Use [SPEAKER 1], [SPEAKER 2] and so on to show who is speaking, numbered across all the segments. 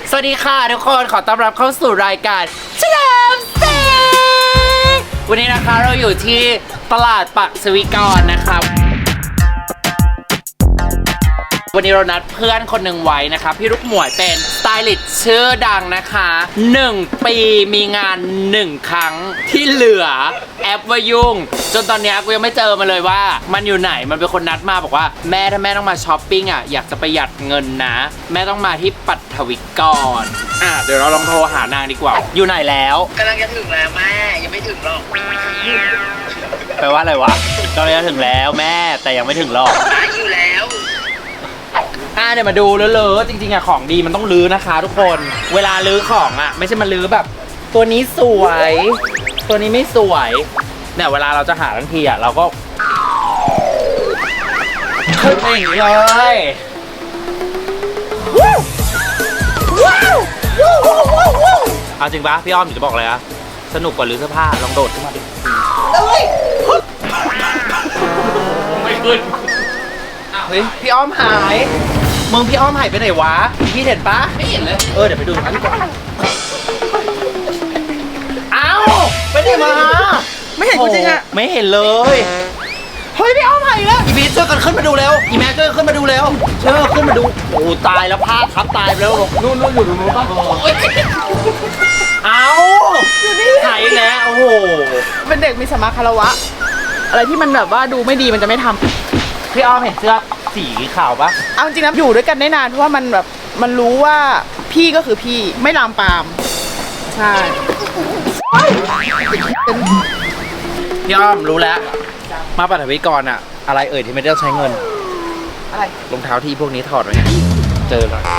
[SPEAKER 1] สวัสดีค่ะทุกคนขอต้อนรับเข้าสู่รายการเฉลิมศรีวันนี้นะคะเราอยู่ที่ตลาดปักสวิกรนะครับวันนี้เรานัดเพื่อนคนหนึ่งไว้นะคะพี่ลูกหมวยเป็นสไตลิสต์ชื่อดังนะคะ1 ปีมีงาน1 ครั้งที่เหลือแอปว่ายุ่งจนตอนนี้กูยังไม่เจอมาเลยว่ามันอยู่ไหนมันเป็นคนนัดมาบอกว่าแม่ถ้าแม่ต้องมาช้อปปิ้งอ่ะอยากจะประหยัดเงินนะแม่ต้องมาที่ปัทวิกรเดี๋ยวเราลองโทรหานางดีกว่าอยู่ไหนแล้ว
[SPEAKER 2] กำลังจะถึงแล้วแม่ยังไม่ถึงหรอก
[SPEAKER 1] แปลว่าอะไรวะกำลังจะถึงแล้วแม่แต่ยังไม่ถึงหรอก
[SPEAKER 2] อยู่แล้ว
[SPEAKER 1] เดี๋ยวมาดูเลอะจริงๆอะของดีมันต้องลื้อนะคะทุกคนเวลาลื้อของอะไม่ใช่มาลื้อแบบตัวนี้สวยตัวนี้ไม่สวยเนี่ยเวลาเราจะหาทันทีอะเราก็ขึ้นไปอย่างนี้เลยเอาจริงปะพี่อ้อมอยู่จะบอกเลยอะสนุกกว่าลื้อเสื้อผ้าลองโดดขึ้นมาดิไม่ขึ้นเฮ้ยพี่อ้อมหายมึงพี่อ้อมหายไปไหนวะพี่เห็นปะไม่เห็นเลยเดี๋ยวไปดูกันดีกว่าเอ้าไปไหนมา
[SPEAKER 2] ไม่เห็นกูจริงอะ
[SPEAKER 1] ไม่เห็นเลยเฮ้ยพี่อ้อมหายแล้วอีพีช่วยกันขึ้นมาดูเร็วอีแม่ช่วยขึ้นมาดูเร็วช่วยขึ้นมาดูโอ้ตายแล้วพลาดทับตายไปแล้วนู่นอยู่ตรงนู้นป่ะเอ้าอยู่นี่หายแล้วโอ้โห
[SPEAKER 2] เป็นเด็กมีสมาคารวะอะไรที่มันแบบว่าดูไม่ดีมันจะไม่ทำ
[SPEAKER 1] พี่อ้อมเห็นเสื้อสีขาวปะ
[SPEAKER 2] เอาจริงนะอยู่ด้วยกันได้นานเพราะว่ามันแบบมันรู้ว่าพี่ก็คือพี่ไม่ลามปามใช่
[SPEAKER 1] พี่อ้อมรู้แล้วมาปัทวิกรอะอะไรเอ่ยที่ไม่ได้ใช้เงิน
[SPEAKER 2] อะไร
[SPEAKER 1] รองเท้าที่พวกนี้ถอดไว้ไงเจอแล้ว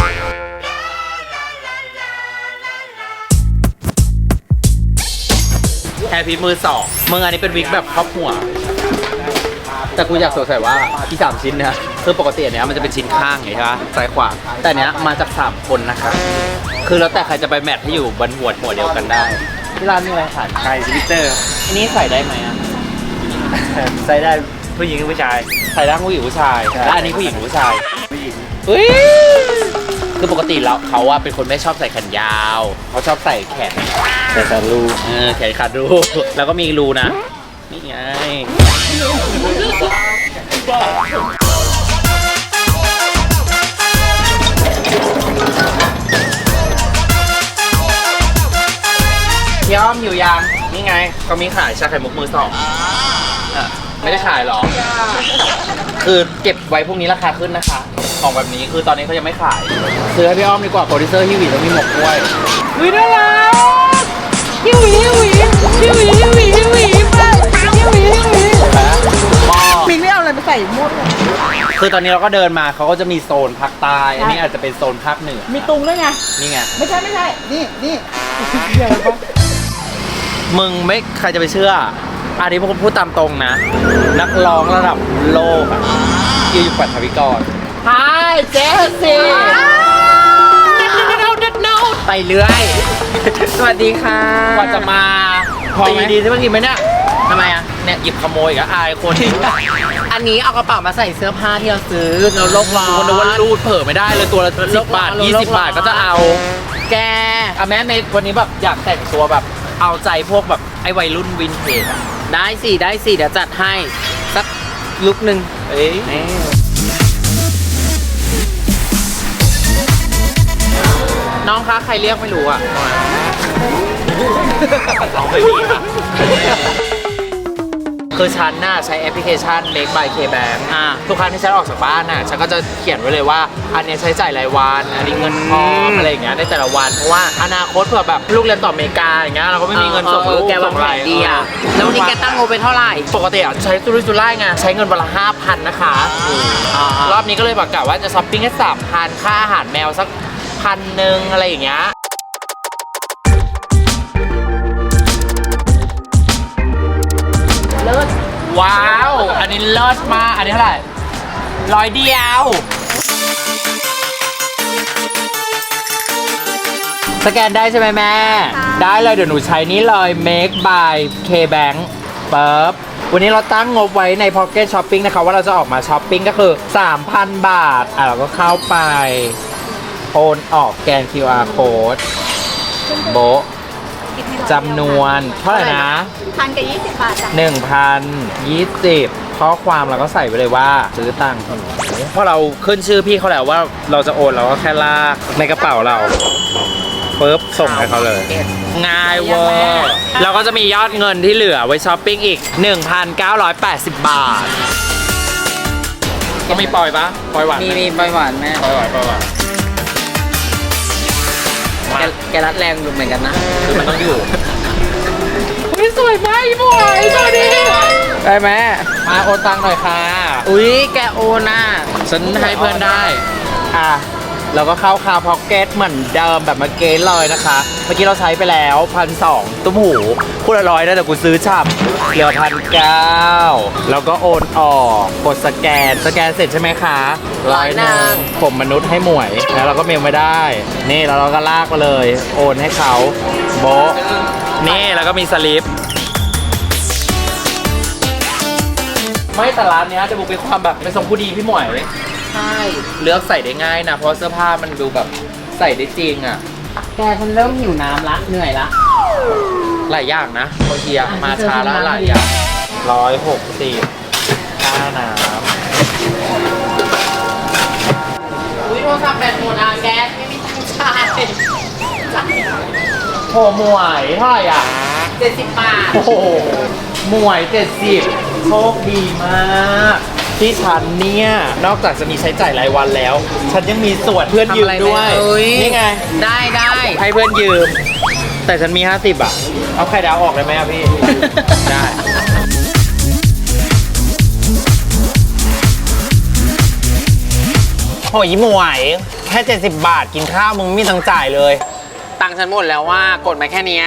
[SPEAKER 1] แฮร์พีมือ2มึงอันนี้เป็นวิกแบบครอบหัวแต่กูอยากสงสัยว่าที่3ชิ้นนะคือปกติเนี้ยมันจะเป็นชิ้นข้างไงใช่ปะซ้ายขวาแต่เนี้ยมาจาก3คนนะคะคือแล้วแต่ใครจะไปแมทให้อยู่บนหัวเดียวกันได้ที่ร้านมีอะไรขายไก่สวิตเตอร์อันนี้ใส่ได้ไหมอ่ะ
[SPEAKER 3] ใส่ได้ผู้หญิงหรือผู้ชาย
[SPEAKER 1] ใส่ได้ผู้หญิงผู้ชายแล้วอันนี้ผู้หญิงหรือผู้ชายผู้หญิงเฮ้ยคือปกติแล้วเขาว่าเป็นคนไม่ชอบใส่แขนยาวเขาชอบใส่แขน
[SPEAKER 3] ขาดรู
[SPEAKER 1] แขนขาดรูแล้วก็มีรูนะนี่ไงพี่อ้อมอยู่ยังนี่ไงเขามีขายชาไข่มุกมือ2ไม่ได้ขายหรอคือเก็บไว้พวกนี้ราคาขึ้นนะคะของแบบนี้คือตอนนี้เขายังไม่ขายซื้อให้พี่อ้อมดีกว่าโปรดิวเซอร์ฮิวิแล้วมีหมกกล้วย
[SPEAKER 2] วิน่ารักฮิวิมินไม่เอาอะไรมาใส่หมด
[SPEAKER 1] คือตอนนี้เราก็เดินมาเขาก็จะมีโซนภาคใต้อันนี้อาจจะเป็นโซนภาคเหนือ
[SPEAKER 2] มีตุงด้วยไง
[SPEAKER 1] นี่ไง
[SPEAKER 2] ไม่ใช่นี่
[SPEAKER 1] มึงไม่ใครจะไปเชื่ออันนี้ผมพูดตามตรงนะนักร้องระดับโลกอะอยู่ปัทวิกร Hi Jessie ไปเรื่อย
[SPEAKER 2] สวัสดีค่ะ
[SPEAKER 1] กว่าจะมาตีดีใช่ไหมกินไหมเนี่ยทำไมอะเนี่ยหยิบขโมยก็อายคน
[SPEAKER 2] อันนี้เอากระเป๋ามาใส่เสื้อผ้าที่เราซื้อเราโลกร้อน
[SPEAKER 1] คนว่ารูดเผลอไม่ได้เลยตัวละ10 บาท20 บาทก็จะเอา
[SPEAKER 2] แก
[SPEAKER 1] แม่ในวันนี้แบบอยากแต่งตัวแบบเอาใจพวกแบบไอ้วัยรุ่นวินเทจ
[SPEAKER 2] ได้สิเดี๋ยวจัดให้สักลุกหนึ่ง
[SPEAKER 1] น้องคะใครเรียกไม่รู้อ่ะน้องไม่มีค่ะคือฉันน่ะใช้แอปพลิเคชัน Make by KBank ทุกครั้งที่ฉันออกจากบ้านน่ะฉันก็จะเขียนไว้เลยว่าอันนี้ใช้จ่ายรายวันอันนี้เงินพร้อมอะไรอย่างเงี้ยในแต่ละวันเพราะว่าอนาคตเผื่อแบบลูกเรียนต่ออเมริกาอย่างเงี้ยเราก็ไม่มีเงินส่งลูก
[SPEAKER 2] แกวางแผนดีอ่ะแล้ววันนี้แกตั้งงบไปเท่าไหร่
[SPEAKER 1] ปกติอ่ะใช้สุรุ่ยสุร่ายไงใช้เงินวันละ 5,000 นะคะรอบนี้ก็เลยบอกกะว่าจะช้อปปิ้งแค่ 3,000 ค่าอาหารแมวสัก1,000อะไรอย่างเงี้ย
[SPEAKER 2] เลิศ
[SPEAKER 1] ว้าวอันนี้เลิศมากอันนี้เท่าไหร่100 เดียวสแกนได้ใช่ไหมแม่ได้เลยเดี๋ยวหนูใช้นี่เลย Make by KBank ปั๊บวันนี้เราตั้งงบไว้ใน Pocket Shopping นะคะว่าเราจะออกมาช้อปปิ้งก็คือ 3,000 บาทเราก็เข้าไปโอนออกแกน QR code โบะจำนวนเท่าไหร่นะ
[SPEAKER 4] 1,020 บาทจ้ะ
[SPEAKER 1] 1,020ข้อความเราก็ใส่ไปเลยว่าซื้อตังค์เพราะเราขึ้นชื่อพี่เขาแล้วว่าเราจะโอนเราก็แค่ลากในกระเป๋าเราปุ๊บส่งให้เขาเลย ง่ายเวอร์เราก็จะมียอดเงินที่เหลือไว้ช้อปปิ้งอีก 1,980 บาท ก็มีปล่อยปะปล่อยหวานไห
[SPEAKER 5] มีปล่อยหวานแม่
[SPEAKER 1] ปล่อยหวานปล่อยหวานมา
[SPEAKER 5] แกรัดแรงอยู่เหมือนกันนะ
[SPEAKER 1] คือมันต้องอยู่อุ้ยสวยมากอีหมวยสวัสดี
[SPEAKER 5] ได้ไหม
[SPEAKER 1] มาโอนตังค์หน่อยค่ะ
[SPEAKER 5] อุ๊ย แกโอน่ะ
[SPEAKER 1] ฉันให้เพื่อนได้ อ่ะ เราก็เข้าคาพ็อกเก็ตเหมือนเดิมแบบเมื่อกี้เลยนะคะ เมื่อกี้เราใช้ไปแล้ว1,200ตุ้มหูพูดละร้อยนะแต่กูซื้อฉ่ำเหลือ1,900แล้วก็โอนออกกดสแกนเสร็จใช่ไหมคะ100ผมมนุษย์ให้หมวย แล้วเราก็เมลไม่ได้ นี่แล้วเราก็ลากมาเลย โอนให้เขาโบะนี่แล้วก็มีสลิป ไม่แต่ร้านเนี้ยจะบุกเป็นความแบบเป็นทรงผู้ดีพี่หมวย
[SPEAKER 5] ใช่
[SPEAKER 1] เลือกใส่ได้ง่ายนะ เพราะเสื้อผ้ามันดูแบบใส่ได้จริงอ่ะ
[SPEAKER 5] แกฉันเริ่มหิวน้ำละ เหนื่อยละ
[SPEAKER 1] หลายอย่างนะบางทีอะมาช้าแล้วหลายอย่าง160ค่าน้
[SPEAKER 5] อุ๊ยโทรศัพท์แบตหมดอ่ะแกไม่มีตังค์จ่าย
[SPEAKER 1] ำโหหมวยเท่าไหร่อ่ะ
[SPEAKER 5] 70 บาท
[SPEAKER 1] โอ้โหหมวย70โชคดีมากที่ฉันเนี่ย นอกจากจะมีใช้จ่ายรายวันแล้ว ฉันยังมีส่วนเพื่อนยืมด้วย นี่ไง
[SPEAKER 5] ได้
[SPEAKER 1] ให้เพื่อนยืม แต่ฉันมี50อ่ะ เอาไข่ดาวออกได้ไหมอ่ะพี่ ได้ โหยหมวยแค่70 บาทกินข้าวมึงไม่มีตังค์จ่ายเลย
[SPEAKER 5] ตังค์ฉันหมดแล้วว่ากดมาแค่เนี้ย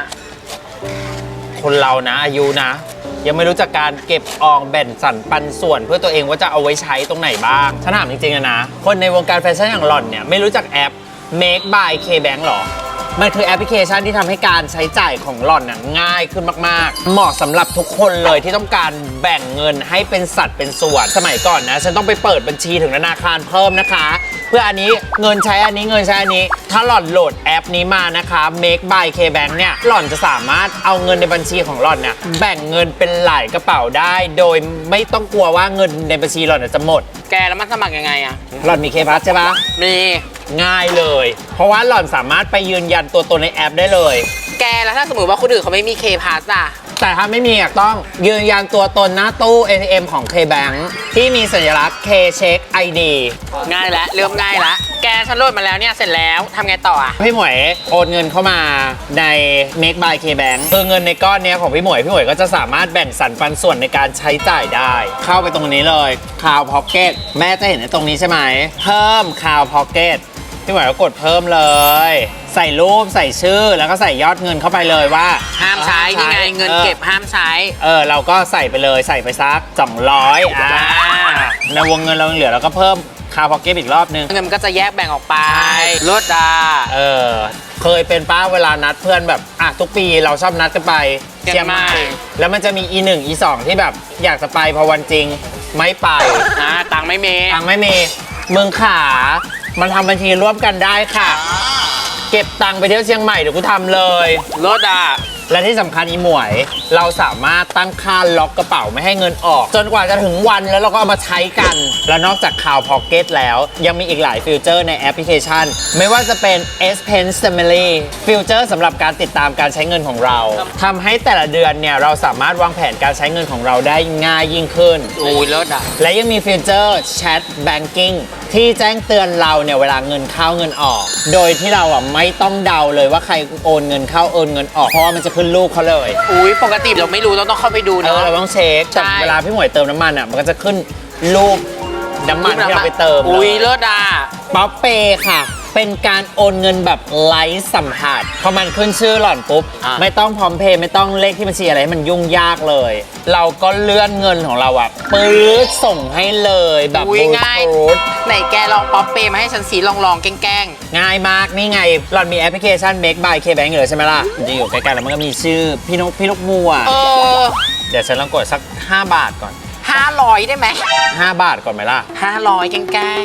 [SPEAKER 1] คนเรานะอายุนะ ยังไม่รู้จักการเก็บออมแบ่งสรรปันส่วนเพื่อตัวเองว่าจะเอาไว้ใช้ตรงไหนบ้างฉันถามจริงๆนะ คนในวงการแฟชั่นอย่างหล่อนเนี่ยไม่รู้จักแอป Make by KBank หรอ มันคือแอปพลิเคชันที่ทำให้การใช้จ่ายของหล่อนน่ะง่ายขึ้นมากๆ เหมาะสำหรับทุกคนเลยที่ต้องการแบ่งเงินให้เป็นสัดเป็นส่วน สมัยก่อนนะฉันต้องไปเปิดบัญชีถึงธนาคารเพิ่มนะคะ เพื่ออันนี้เงินใช้อันนี้เงินใช้อันนี้ ถ้าหล่อนโหลดแอปนี้มานะคะ Make by KBank เนี่ยหล่อนจะสามารถเอาเงินในบัญชีของหล่อนเนี่ยแบ่งเงินเป็นหลายกระเป๋าได้ โดยไม่ต้องกลัวว่าเงินในบัญชีหล่อนน่ะจะหมด
[SPEAKER 5] แกแล้วมันสมัครยังไงอ่ะ
[SPEAKER 1] หล่อนมีเคพัสใช่ปะ
[SPEAKER 5] มี
[SPEAKER 1] ง่ายเลย เพราะว่าหล่อนสามารถไปยืนยันตัวตนในแอปได้เลย
[SPEAKER 5] แกแล้วถ้าสมมติว่าคนอื่นเขาไม่มีเคพาสอ่ะ
[SPEAKER 1] แต่ถ้าไม่มีอ่ะต้องยืนยันตัวตนหน้าตู้ ATM ของ KBank ที่มีสัญลักษณ์ K-Check ID
[SPEAKER 5] ง่ายแล้วเริ่มง่ายแล้ว แกฉันโหลดมาแล้วเนี่ยเสร็จแล้วทำไงต่ออ่ะ
[SPEAKER 1] พี่หมวยโอนเงินเข้ามาใน Make by KBank คือเงินในก้อนเนี้ยของพี่หมวยก็จะสามารถแบ่งสรรปันส่วนในการใช้จ่ายได้ เข้าไปตรงนี้เลย Cloud Pocket แม่จะเห็นในตรงนี้ใช่ไหมเพิ่ม Cloud Pocket พี่หมวยก็กดเพิ่มเลย ใส่รูปใส่ชื่อแล้วก็ใส่ยอดเงินเข้าไปเลยว่า
[SPEAKER 5] ห้ามใช้นี่ไงเงินเก็บห้ามใช้
[SPEAKER 1] เราก็ใส่ไปเลยใส่ไปสัก200ในวงเงินเรายังเหลือเราก็เพิ่มคาพ็อกเก็ตอีกรอบนึง
[SPEAKER 5] เงินมันก็จะแยกแบ่งออกไปลด
[SPEAKER 1] เคยเป็นป้าเวลานัดเพื่อนแบบทุกปีเราชอบนัดกันไปเชียงใหม่แล้วมันจะมี E1 E2 ที่แบบอยากจะไปพอวันจริงไม่ไป
[SPEAKER 5] ตังค์ไม่มี
[SPEAKER 1] ตังค์ไม่มีมึงขามันทำบัญชีร่วมกันได้ค่ะ เก็บตังค์ไปเที่ยวเชียงใหม่เดี๋ยวกูทำเลย
[SPEAKER 5] ลด
[SPEAKER 1] และที่สำคัญอีหมวย เราสามารถตั้งค่าล็อกกระเป๋าไม่ให้เงินออก จนกว่าจะถึงวันแล้วเราก็เอามาใช้กัน และนอกจากข่าวพ็อกเก็ตแล้ว ยังมีอีกหลายฟีเจอร์ในแอปพลิเคชัน ไม่ว่าจะเป็น S Pen Family ฟีเจอร์สำหรับการติดตามการใช้เงินของเราทำให้แต่ละเดือนเนี่ยเราสามารถวางแผนการใช้เงินของเราได้ง่ายยิ่งขึ้น
[SPEAKER 5] ลด
[SPEAKER 1] และยังมีฟีเจอร์ Chat Banking ที่แจ้งเตือนเราเนี่ยเวลาเงินเข้าเงินออก โดยที่เราไม่ต้องเดาเลยว่าใครโอนเงินเข้าโอนเงินออกเพราะว่ามันจะขึ้นรูปเขาเลย
[SPEAKER 5] ปกติเราไม่รู้ต้องเข้าไปดูเนาะ
[SPEAKER 1] เราต้องเช็คแต่เวลาพี่หมวยเติมน้ำมันมันก็จะขึ้นรูปน้ำมันที่เราไปเติม
[SPEAKER 5] ลด
[SPEAKER 1] ป๊อปเปย์ค่ะ เป็นการโอนเงินแบบไร้สัมผัสพอมันขึ้นชื่อหล่อนปุ๊บไม่ต้องพร้อมเพย์ไม่ต้องเลขที่บัญชีอะไรให้มันยุ่งยากเลย เราก็เลื่อนเงินของเราปื๊ดส่งให้เลยแบบ
[SPEAKER 5] ง่ายไหนแกลองป๊อปเปย์มาให้ฉันสีลองแกล้ง
[SPEAKER 1] ง่ายมากนี่ไงหล่อนมีแอปพลิเคชัน Make by KBank เลยใช่ไหมล่ะจริงอยู่ใกล้ๆแล้วมันก็มีชื่อพี่นกมัวเดี๋ยวฉันลองกดสัก5 บาทก่อน
[SPEAKER 5] 500ได้ไหม
[SPEAKER 1] 5 บาทก่อนไหมล่ะ
[SPEAKER 5] 500แกล้ง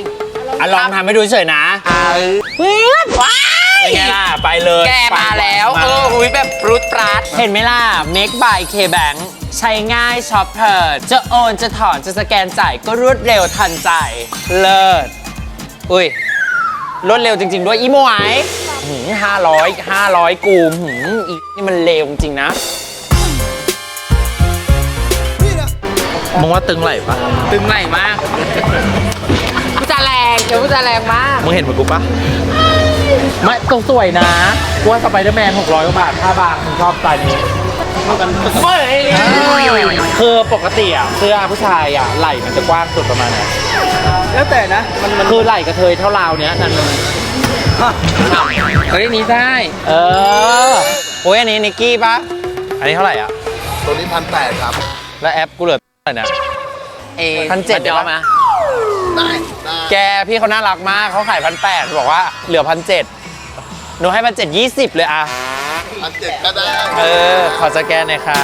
[SPEAKER 5] อ่ะลองทำให้ดูเฉยนะ
[SPEAKER 1] เพื่อนว้าย
[SPEAKER 5] เป็นไงล่ะ ไปเลย
[SPEAKER 1] แกมาแล้ว
[SPEAKER 5] มา
[SPEAKER 1] หุยแบบปรุดปราด
[SPEAKER 5] เห็นไหมล่ะ Make by KBank ใช้ง่ายช็อปเพลิดจะโอนจะถอนจะสแกนจ่ายก็รวดเร็วทันใจ เลิศอุ้ยรวดเร็วจริง ๆ ด้วยอีโมไอ500กูอีนี่มันเร็วจริงๆนะ
[SPEAKER 1] มึงว่าตึงไหลปะ
[SPEAKER 5] ตึงไหลมาก
[SPEAKER 1] กูจะแรงเดี๋ยวกูจะแรงมาก
[SPEAKER 3] มึงเห็นเหมือนกูปะ
[SPEAKER 1] ไม่ตรงสวยนะกูว่าสไปเดอร์แมน600 กว่าบาท5 บาทมึงชอบสไตล์นี้คือปกติอ่ะเสื้อผู้ชายอ่ะไหล่มันจะกว้างสุดประมาณไหน
[SPEAKER 2] แล้วแต่นะ มัน
[SPEAKER 1] คือไหล่กระเทยเท่าราวเนี้ยนั่นเลยเฮ้ยนี้ได้
[SPEAKER 5] เออโอ้ยอันนี้นิกกี้ปะอันนี้เท่าไหร่อ่ะ
[SPEAKER 3] ตัวนี้1,800ครับ
[SPEAKER 5] แล้วแอปกูเหลือเท่าไหร่นะ 1,700
[SPEAKER 1] เดี๋ยวมา
[SPEAKER 3] ได้
[SPEAKER 5] แกพี่เขาน่ารักมากเขาขาย1,800บอกว่าเหลือ1,700หนูให้1,720เลยอ่ะ
[SPEAKER 3] 1,700ก็ได้
[SPEAKER 5] เออ ขอสแกนหน่อยค่ะ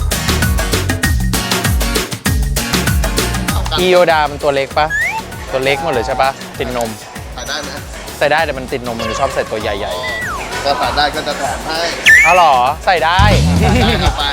[SPEAKER 5] อีโยดามันตัวเล็กปะตัวเล็กหมดเลยใช่ปะติดนม
[SPEAKER 3] ขายได้ไหม
[SPEAKER 5] ใส่ได้แต่มันติดนมมันชอบใส่ตัวใหญ่
[SPEAKER 3] ก็ขายได้ก็จะแถมให้
[SPEAKER 5] ๆเอาเหรอใส่ได้
[SPEAKER 3] ได้ครับไป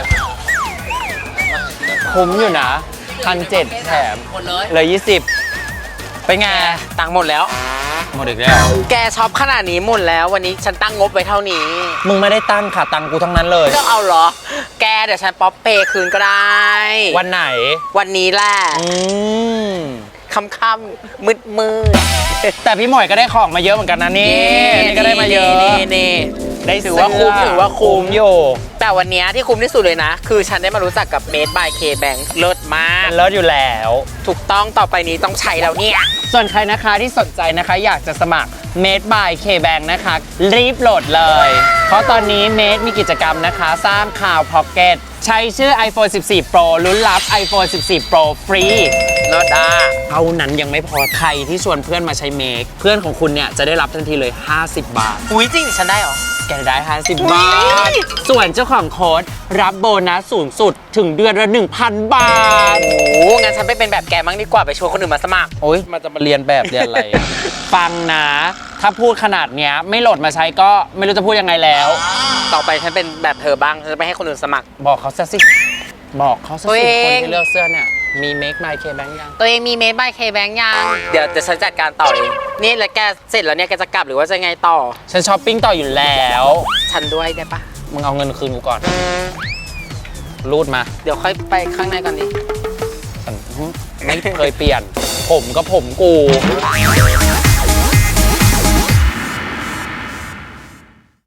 [SPEAKER 5] คุ้มอยู่นะ1,700แถม
[SPEAKER 1] หมดเลย
[SPEAKER 5] เลย20เป็นไง
[SPEAKER 1] ตังค์หมดแล้ว
[SPEAKER 5] หมดอีกแล้ว
[SPEAKER 1] แกช็อปขนาดนี้หมดแล้ววันนี้ฉันตั้งงบไว้เท่านี้
[SPEAKER 5] มึงไม่ได้ตั้งค่ะตังค์กูทั้งนั้นเลย
[SPEAKER 1] ก็เอาเหรอ แกเดี๋ยวฉันป๊อปเปย์คืนก็ได้
[SPEAKER 5] วันไหน
[SPEAKER 1] วันนี้แหละ
[SPEAKER 5] อืม
[SPEAKER 1] ค่ำๆมืด
[SPEAKER 5] แต่พี่หมวยก็ได้ของมาเยอะเหมือนกันนะ
[SPEAKER 1] ๆ
[SPEAKER 5] นี่นี่ก็ได้มาเยอะ
[SPEAKER 1] นี่
[SPEAKER 5] ได้
[SPEAKER 1] ถือว่าคุ้ม
[SPEAKER 5] เสื้
[SPEAKER 1] ถือว่าคุ้ม
[SPEAKER 5] อยู่
[SPEAKER 1] แต่วันนี้ที่คุ้มที่สุดเลยนะ คือฉันได้มารู้จักกับ Made by K Bank เลิศมาก
[SPEAKER 5] เลิศอยู่แล้ว
[SPEAKER 1] ถูกต้องต่อไปนี้ต้องใช้แล้วเนี่ย
[SPEAKER 5] ส่วนใครนะคะที่สนใจนะคะอยากจะสมัคร Made by KBank นะคะ รีบโหลดเลย เพราะตอนนี้ Made มีกิจกรรมนะคะสร้างข่าว Pocket ใช้ชื่อ iPhone 14 Pro ลุ้นรับ iPhone 14 Pro ฟรี
[SPEAKER 1] เลิศอ่ะ
[SPEAKER 5] เท่านั้นยังไม่พอใครที่ชวนเพื่อนมาใช้ Make เพื่อนของคุณเนี่ยจะได้รับทันทีเลย 50 บาท
[SPEAKER 1] อุ้ยจริงดิฉันได้เหรอ
[SPEAKER 5] แกได้ 50 บาท ส่วนเจ้าของโค้ดรับโบนัสสูงสุดถึงเดือนละ 1,000 บาท
[SPEAKER 1] โอ้งั้นฉันไปเป็นแบบแกมั้งดีกว่าไปชวนคนอื่นมาสมัคร
[SPEAKER 5] โอ๊ยมันจะมาเรียนแบบเรียนอะไร ฟังนะ ถ้าพูดขนาดเนี้ยไม่โหลดมาใช้ก็ไม่รู้จะพูดยังไงแล้ว
[SPEAKER 1] ต่อไปฉันเป็นแบบเธอบ้างฉันจะไปให้คนอื่นสมัคร
[SPEAKER 5] บอกเขาซะสิ บอกเขาซะ
[SPEAKER 1] ตัว
[SPEAKER 5] สิ
[SPEAKER 1] เอง
[SPEAKER 5] คนที่เลือกเสื้อเนี่ย มี Make My KBank ยัง
[SPEAKER 1] ตัวเองมี Made by K Bank ยังเดี๋ยวฉันจัดการต่อเองนี่แล้วแกเสร็จแล้วเนี่ยแกจะกลับหรือว่าจะไงต่อ
[SPEAKER 5] ฉันช้อปปิ้งต่ออยู่แล้ว
[SPEAKER 1] ฉันด้วยได้ปะ
[SPEAKER 5] มึงเอาเงินคืนกูก่อน รูดมา
[SPEAKER 1] เดี๋ยวค่อยไปข้างในก่อนดิ
[SPEAKER 5] ไม่เคยเปลี่ยน ผมก็ผมกู